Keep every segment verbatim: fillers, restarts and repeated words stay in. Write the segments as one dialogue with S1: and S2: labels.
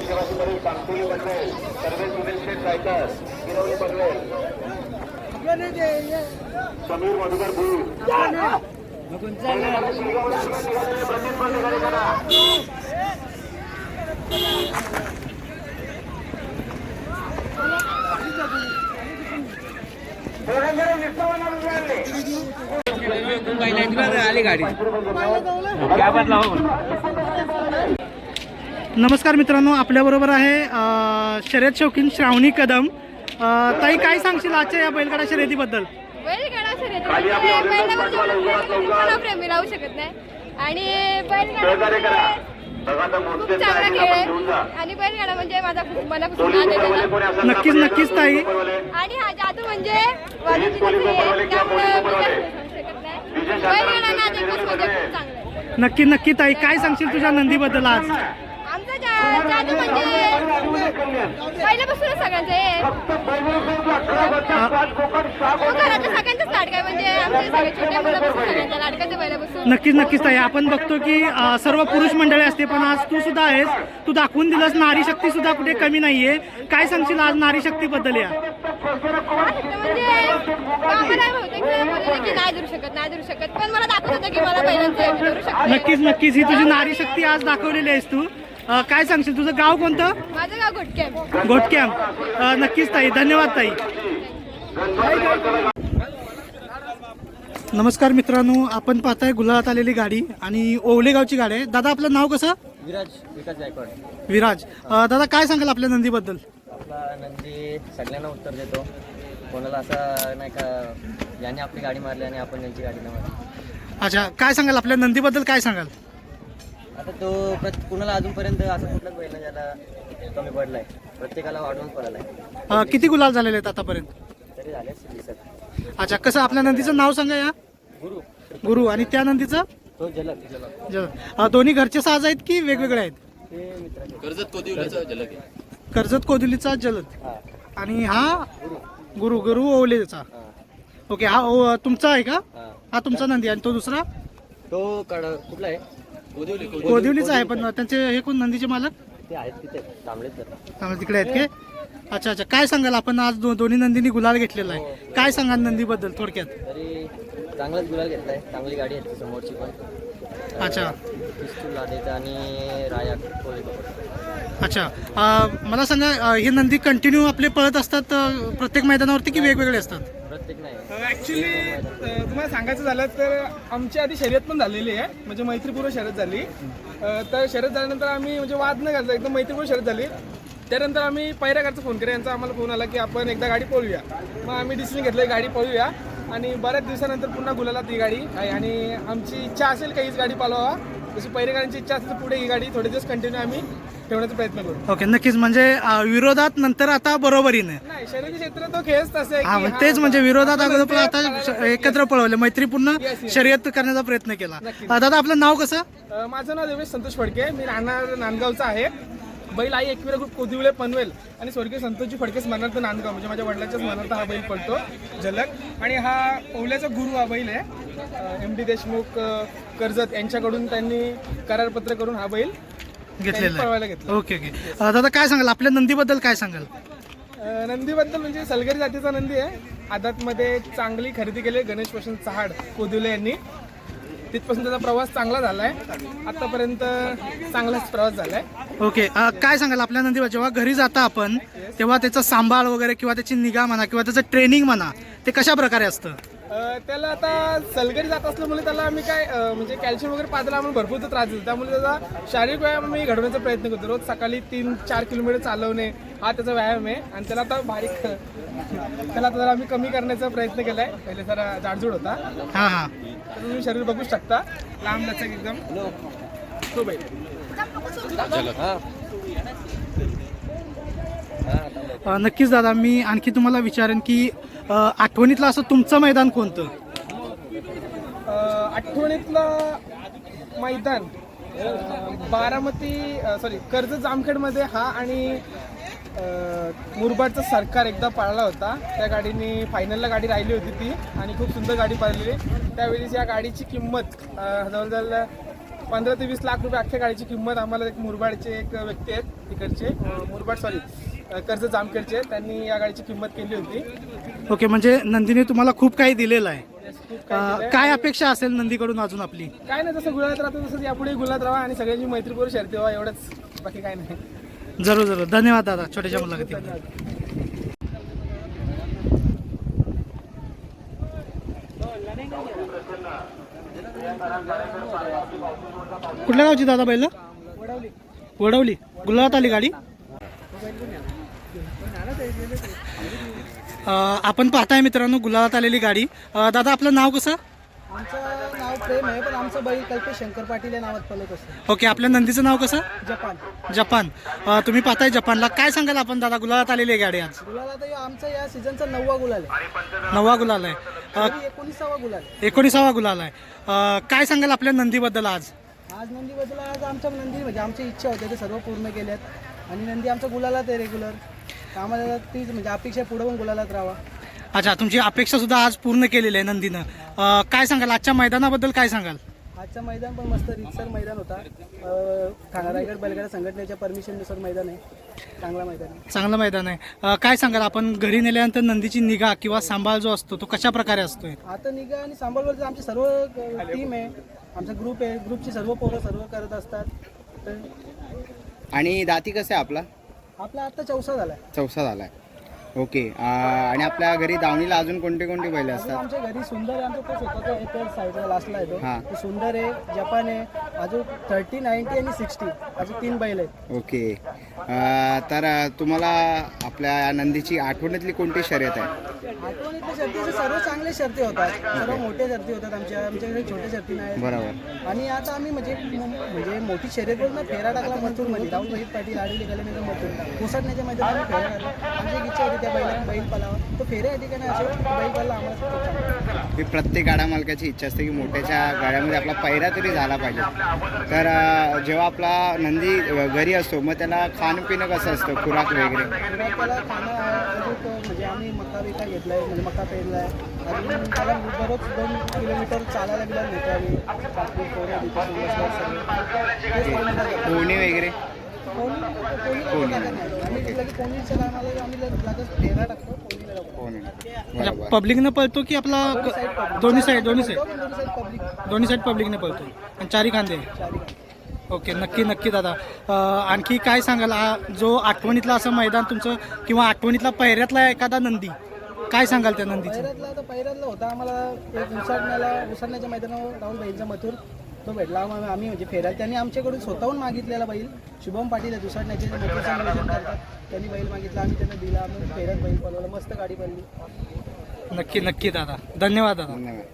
S1: देशवासीवरील कांतुली पनवेल सर्वे सुनील शेठ गायकर गिरवली पनवेल समीर मधुकर भूल
S2: आली गाडी
S3: नमस्कार मित्रांनो, आपल्याबरोबर आहे अ, शर्यत शौकीन श्रावणी कदम. अ, ताई, काय सांगशील आजच्या या बैलगाडा शर्यतीबद्दल?
S4: बैलगाडा शर्यत बैलावर प्रेमी राहू शकत नाही आणि बैलगाडा खूप चांगला खेळ आहे आणि बैलगाडा म्हणजे माझा खूप मनापासून आनंद.
S3: नक्कीच नक्कीच ताई.
S4: आणि हा जादू म्हणजे बैलगाडा नाद एकच म्हणजे खूप चांगला आहे.
S3: नक्की नक्की ताई, काय सांगशील तुझ्या नंदीबद्दल आज?
S4: आमचा जा- जादू म्हणजे पहिल्यापासूनच सगळ्यांचं आहे. तो घरातल्या सगळ्यांचाच लाडका आहे म्हणजे आमचे सगळे छोट्या मुलापासून सगळ्यांचा लाडकाच आहे पहिल्यापासून.
S3: नक्कीच नक्कीच ताई, आपण बघतो की अ, सर्व पुरुष मंडळी असते, पण आज तू सुद्धा आहेस. तू दाखवून दिलंस नारी शक्ती सुद्धा कुठे कमी नाहीये. काय सांगशील आज नारी शक्तीबद्दल? या
S4: म्हणजे आम्हाला बहुतेक बोलले की नाही धरू शकत नाही धरू शकत पण मला दाखवत होतं की मला पहिल्यांदा धरू शकत.
S3: नक्कीच नक्कीच, ही तुझी नारी शक्ती आज दाखवलेली आहेस तू. अ, काय सांगशील, तुझं गाव कोणतं?
S4: माझं गाव घोटके.
S3: घोटक्याम. अ, नक्कीच ताई, धन्यवाद ताई. नमस्कार मित्रांनो, आपण पाहताय गुलाबात आलेली गाडी आणि ओवले गावची गाडी आहे. दादा, आपलं नाव कसं?
S2: विराज विकास गायकवाड.
S3: विराज. अ, दादा, काय सांगाल आपल्या नंदीबद्दल?
S2: आपला नंदी सगळ्यांना उत्तर देतो. कोणाला असं नाही का याने आपली गाडी मारली आणि आपण त्यांची गाडी नाही मारली.
S3: अच्छा, काय सांगाल आपल्या नंदीबद्दल? काय सांगाल?
S2: आता तो प्रत कुणाला अजूनपर्यंत असं कुठलाच बैल नाही ज्याला कमी पडलाय. प्रत्येकाला वाढवून पडलाय.
S3: अ, किती गुलाल झालेले आहेत आतापर्यंत?
S2: तरी झाले दिसत.
S3: अच्छा, कसं आपल्या नंदीचं नाव सांगा या?
S2: गुरु
S3: गुरु. आणि त्या नंदीचं?
S2: तो जलक जलक
S3: ज- अ, दोन्ही घरचे साज आहेत की वेगवेगळे आहेत?
S2: ते मित्राचे.
S5: कर्जत कोदिवलीचा जलक आहे.
S3: कर्जत कोदिवलीचा जलद.
S2: हा
S3: आणि हा गुरु गुरु ओवलेचा.
S2: हा
S3: ओके, हा ओ- तुमचा आहे का?
S2: हा
S3: हा तुमचा नंदी. आणि तो दुसरा
S2: तो कड कुठला आहे?
S5: कोदिवली
S3: कोदिवलीचा आहे. पण त्यांचे हे कोण नंदीचे मालक?
S2: ते आहेत तिथे तांबडेच जर.
S3: त्यामुळे तिकडे आहेत के? अच्छा अच्छा, काय सांगाल आपण आज दो, दोन्ही नंदींनी गुलाल घेतलेला आहे, काय सांगाल नंदीबद्दल थोडक्यात?
S2: तरी चांगलाच गुलाल घेतलाय. चांगली गाडी आहे समोरची पण.
S3: अच्छा
S2: पिस्तूल लादेचा आणि राया कोळेकर.
S3: अच्छा. अं, मला सांगा, अं, हे नंदी कंटिन्यू आपले पळत असतात अं, प्रत्येक मैदानावरती की वेगवेगळे असतात?
S2: प्रत्येक नाही.
S6: ॲक्च्युली तुम्हाला सांगायचं झालं तर आमची आधी शर्यत पण झालेली आहे, म्हणजे मैत्रीपूर्व शर्यत झाली. अ, तर शर्यत झाल्यानंतर आम्ही म्हणजे वाद न घालता एकदम मैत्रीपूर्व शर्यत झाली. त्यानंतर आम्ही पैराकडचा फोन केला, यांचा आम्हाला फोन आला की आपण एकदा गाडी पळूया. मग आम्ही डिसिजन घेतलं गाडी पळूया आणि बऱ्याच दिवसानंतर पुन्हा गुलाला ती गाडी आहे. आणि आमची इच्छा असेल का हीच गाडी पालवावा, जशी पैरेकरांची इच्छा असेल तर पुढे ही गाडी थोडे दिवस कंटिन्यू आम्ही ठेवण्याचा प्रयत्न करू.
S3: ओके, नक्कीच. म्हणजे अं, विरोधात नंतर आता बरोबरीने.
S6: नाही, शर्यती क्षेत्र तो खेळच तसं आहे
S3: हा,
S6: की
S3: मग
S6: हा,
S3: तेच म्हणजे विरोधात अगोदर पण आता
S6: पळायला-
S3: श- एकत्र पळवले, मैत्रीपूर्ण
S6: Yes, yes.
S3: शर्यत करण्याचा प्रयत्न केला.
S6: नक्कीच.
S3: अं, दादा, आपलं नाव कसं?
S6: अ, माझं नाव देवेश संतोष फडके, मी राहणार नांदगावचा आहे. बैल आई एकविरा ग्रुप कोदिवले पनवेल आणि स्वर्गीय संतोषजी फडके स्मरणार्थ नांदगाव, म्हणजे माझ्या वडिलांच्या स्मरणार्थ हा बैल पडतो जलक. आणि हा ओवल्याचा गुरु हा बैल आहे. एम डी देशमुख अ, कर्जत यांच्याकडून त्यांनी करारपत्र करून हा बैल
S3: घेतलेलं
S6: पळवायला
S3: आहे.
S6: घेतला.
S3: Okay okay. अं, दादा, काय सांगाल आपल्या नंदीबद्दल? काय सांगाल?
S6: अ, नंदीबद्दल म्हणजे सलगरी जातीचा नंदी आहे. आदातमध्ये चांगली खरेदी केली गणेश वसंत चहाड कोदिवले यांनी. तिथपासून त्याचा प्रवास चांगला झाला आहे. आतापर्यंत चांगलाच प्रवास झाला आहे.
S3: ओके. अ, काय सांगाल आपल्या नंदीवर जेव्हा घरी जाता आपण तेव्हा त्याचा सांभाळ वगैरे किंवा त्याची निगा म्हणा किंवा त्याचं ट्रेनिंग म्हणा, ते कशा प्रकारे असतं?
S6: अ, त्याला आता सलगरी जात असल्यामुळे त्याला आम्ही काय अ, म्हणजे कॅल्शियम वगैरे पाजायला आम्हाला भरपूर त्रास देतो. त्यामुळे त्याचा शारीरिक व्यायाम आम्ही घडवण्याचा प्रयत्न करतो. रोज सकाळी तीन चार किलोमीटर चालवणे हा त्याचा व्यायाम आहे. आणि त्याला आता बारीक त्याला आता जरा आम्ही कमी करण्याचा प्रयत्न केला आहे. पहिले जरा जाडजूड होता,
S3: हां हां.
S6: तर तुम्ही शरीर बघू शकता लांब लचक एकदम. तो बैल
S2: हा
S3: अ, नक्कीच दादा, मी आणखी तुम्हाला विचारेन की अ, आठवणीतलं असं तुमचं मैदान कोणतं?
S6: अ, आठवणीतलं मैदान अ, बारामती सॉरी कर्जत जामखेडमध्ये हा आणि अ, मुरबाडचा सरकार एकदा पाळला होता. त्या गाडीने फायनलला गाडी राहिली होती ती आणि खूप सुंदर गाडी पाळलेली. त्यावेळी या गाडीची किंमत अ, जवळजवळ पंधरा ते वीस लाख रुपये अख्ख्या गाडीची किंमत आम्हाला एक मुरबाडचे एक व्यक्ती आहेत तिकडचे अं, मुरबाड सॉरी कर्ज जामखेडचे, त्यांनी या गाडीची किंमत केली होती.
S3: ओके, म्हणजे नंदीने तुम्हाला खूप काही दिलेलं आहे.
S6: खूप काही
S3: अ,
S6: दिलंय.
S3: काय अपेक्षा असेल नंदीकडून अजून आपली?
S6: काय नाही, जसं गुलाबात राहतो तसंच यापुढे गुलाबात राहा आणि सगळ्यांची मैत्रीपूर्व शर्ती व्हा, एवढंच, बाकी काय नाही.
S3: जरूर जरूर. धन्यवाद दादा छोट्याशा मुलाखतीबद्दल.
S6: धन्यवाद.
S3: कुठल्या गावची दादा बैल? वडवली. गुलाबात आली गाडी. अ, आपण पाहताय मित्रांनो गुलाबात आलेली गाडी. अ, दादा आपलं नाव कसं?
S7: आमचं नाव प्रेम आहे, पण आमचं बैल कल्पेश शंकर पाटील या नावात पलत असतं.
S3: ओके, आपल्या नंदीचं नाव कसं?
S7: जपान.
S3: जपान. अ, तुम्ही पाहताय जपानला. काय सांगाल आपण दादा गुलाबात आलेली आहे गाडी आज?
S7: गुलाल आता आमचा या सीझनचा नववा गुलाल आहे.
S3: नववा गुलाल आहे. अ,
S7: तरी एकोणीसावा गुलाल.
S3: एकोणीसावा गुलाल आहे. अ, काय सांगाल आपल्या नंदीबद्दल आज?
S7: आज नंदीबद्दल आज आमच्या नंदी म्हणजे आमची इच्छा होती ते सर्व पूर्ण केल्यात आणि नंदी आमचा गुलालात आहे रेग्युलर. आम्हाला तीच म्हणजे अपेक्षा पुढे पण गुलालात राहावा.
S3: अच्छा, तुमची अपेक्षा सुद्धा आज पूर्ण केलेली आहे नंदीनं. अ, काय सांगाल आजच्या मैदानाबद्दल? काय सांगाल?
S7: आजचा मैदान पण मस्त रीतसर मैदान होता. अं, ठाणा रायगड बैलगाडा संघटनेच्या परमिशननुसार मैदान आहे. चांगला मैदान आहे.
S3: चांगलं मैदान आहे. अ, काय सांगाल आपण घरी नेल्यानंतर नंदीची निगा किंवा सांभाळ जो असतो तो कशा प्रकारे असतोय?
S7: आता निगा आणि सांभाळवर आमची सर्व टीम आहे, आमचा ग्रुप आहे, ग्रुपची सर्व पोरं सर्व करत असतात. तर
S8: आणि दाती कसं आहे आपला?
S7: आपला आता चौसा झाला.
S8: चौसा झाला आहे. ओके. आणि आपल्या घरी दावणीला अजून कोणते कोणते बैल
S7: अजून
S8: असतात?
S7: आमच्या घरी सुंदर आहे, आमचा तो स्वतःचा एक साईडला लास्टला आहे तो.
S8: हा.
S7: तो सुंदर आहे, जपान आहे, अजून थर्टी नाईन्टी आणि सिक्स्टी अजून तीन बैल आहेत.
S8: ओके. अं, तर तुम्हाला आपल्या या नंदीची आठवणीतली कोणती शर्यत आहे?
S7: आठवणीतल्या शर्तीचे सर्व चांगले शर्ती होतात, सर्व मोठ्या शर्ती होतात. आमच्या आमच्याकडे छोट्या शर्ती नाही.
S8: बरोबर.
S7: आणि आता आम्ही म्हणजे म्हणजे मोठी शर्यत ना फेरा टाकला मथुरमध्ये. राहुल रोहित पाटील आडवी गेल्यानंतर मथुर कोसटण्याच्या मैदानात फेरा टाकला. आमची एक इच्छा होती त्या बैलाने बैल पलावा, तो फेऱ्या या ठिकाणी असे बैल पडला आम्हाला खूप चांगला.
S8: ही प्रत्येक गाडा मालकाची इच्छा असते की मोठ्याच्या गाड्यामध्ये आपला पैरा तरी झाला पाहिजे. तर अं, जेव्हा आपला नंदी अं, घरी असतो मग त्याला खाणंपिणं कसं असतं, खुराक वगैरे?
S7: पुन्हा त्याला खाणं आहे अजून म्हणजे आम्ही मका बिका घेतला आहे, म्हणजे मका पेरला आहे. अजून त्याला दररोज दोन किलोमीटर चालायला गेला नेतो आम्ही. पाचपूर पोरं तिथे सुरक्षित सर्व. तेच करून टाकतो.
S8: पोहणी वगैरे?
S7: कोणी कोणी टाकत नाही. आम्ही घेतलं की कोणीच्या टायमाला आम्ही लगेच फेरा टाकतो कोणीला टाकतो.
S8: पोहणी.
S3: म्हणजे
S8: बरोबर.
S3: पब्लिकनं पळतो की आपला
S7: दोन्ही साईड public.
S3: दोन्ही साईड दोन्ही साईड
S7: दोन्ही साईड पब्लिक
S3: दोन्ही साईड पब्लिकने पळतो आणि चारी खांदे?
S7: चारी.
S3: ओके, नक्की नक्की दादा. अ, आणखी काय सांगाल हा जो आठवणीतला असं मैदान तुमचं किंवा आठवणीतला पहिऱ्यातला एखादा नंदी, काय सांगाल त्या नंदीचं?
S7: पैरातला आता पैरातला होता आम्हाला एक उसरण्याला उसरण्याच्या मैदानावर राहुल बैलचा मथुर तो भेटला. आम्ही आम्ही म्हणजे फेरायला त्यांनी आमच्याकडून स्वतःहून मागितलेला बैल. शुभम पाटील आहे उसरण्याचे जे मथुरचं नियोजन करतात, त्यांनी बैल मागितला, आम्ही त्यांना दिला. आम्ही फेऱ्यात बैल पळवला, मस्त गाडी पडली.
S3: नक्की नक्की दादा. धन्यवाद दादा.
S8: धन्यवाद.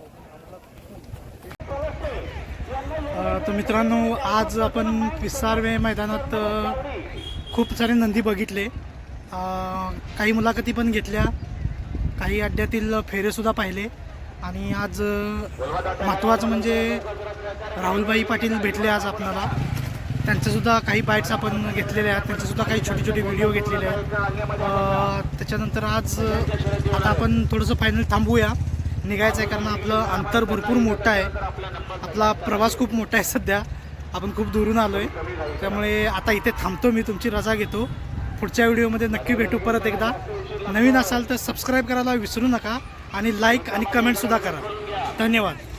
S3: अ, तर मित्रांनो आज आपण पिसारवे मैदानात अ, खूप सारे नंदी बघितले. अ, काही मुलाखती पण घेतल्या, काही अड्ड्यातील फेरेसुद्धा पाहिले आणि आज अ, महत्त्वाचं म्हणजे राहुलभाई पाटील भेटले आज आपल्याला. त्यांचंसुद्धा काही बाईट्स आपण घेतलेले आहेत, त्यांचेसुद्धा काही छोटे छोटे व्हिडिओ घेतलेले आहेत. अ, त्याच्यानंतर आज अ, आता आपण थोडंसं फायनल थांबूया, निघायचं आहे कारण आपलं अंतर भरपूर मोठं आहे. आपला प्रवास खूप मोठा आहे सध्या, आपण खूप दुरून आलो आहे. त्यामुळे आता इथे थांबतो मी, तुमची रजा घेतो. पुढच्या व्हिडिओमध्ये नक्की भेटू परत एकदा. नवीन असाल तर सबस्क्राईब करायला विसरू नका आणि लाईक आणि कमेंटसुद्धा करा. धन्यवाद.